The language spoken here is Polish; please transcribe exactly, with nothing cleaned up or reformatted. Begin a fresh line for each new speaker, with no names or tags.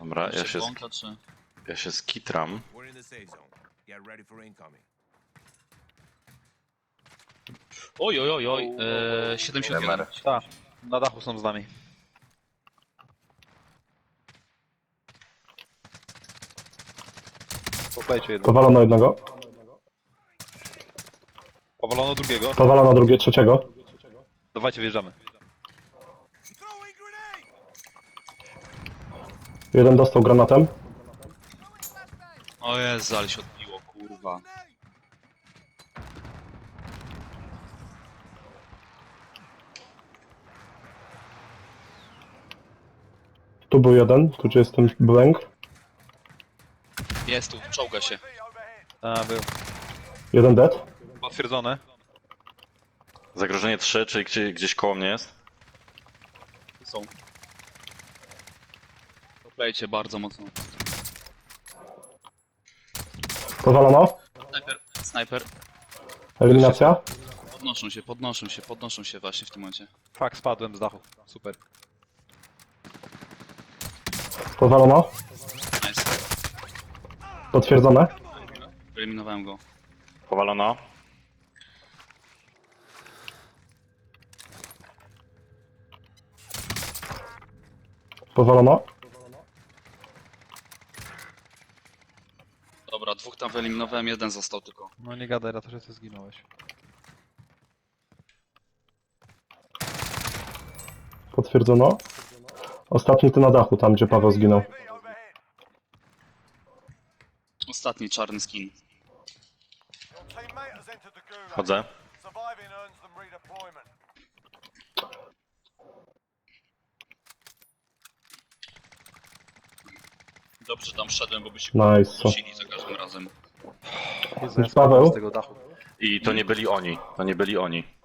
Dobra, ja się,
Błąka, czy...
ja się skitram.
Oj, oj, oj, oj, eee, siedemdziesiąt jeden.
Tak, na dachu są z nami. Poklejcie jedno.
Powalono jednego.
Powalono drugiego.
Powalono drugie, trzeciego.
Dawajcie, wjeżdżamy.
Jeden dostał granatem.
O Jezu, ale się odbiło, kurwa.
Tu był jeden, tu gdzie jest ten błęk.
Jest tu, czołga się.
A, był.
Jeden dead.
Potwierdzone.
Zagrożenie trzy, czyli gdzie, gdzieś koło mnie jest.
Są. Poklejcie bardzo mocno.
Powalono.
Snajper, snajper.
Eliminacja.
Podnoszą się, podnoszą się, podnoszą się właśnie w tym momencie.
Fak, spadłem z dachu. Super.
Powalono.
Nice.
Potwierdzone.
Wyeliminowałem go.
Powalono.
Powalono.
Dobra, dwóch tam wyeliminowałem, jeden został tylko.
No nie gadaj, Rato, że ty zginąłeś.
Potwierdzono. Ostatni to na dachu, tam gdzie Paweł zginął.
Ostatni czarny skin.
Chodzę.
Dobrze, że tam szedłem, bo by się
Nice.
kusili za każdym razem.
Jezu, ja
Paweł?
spadłem z tego dachu.
I to nie byli oni. To nie byli oni.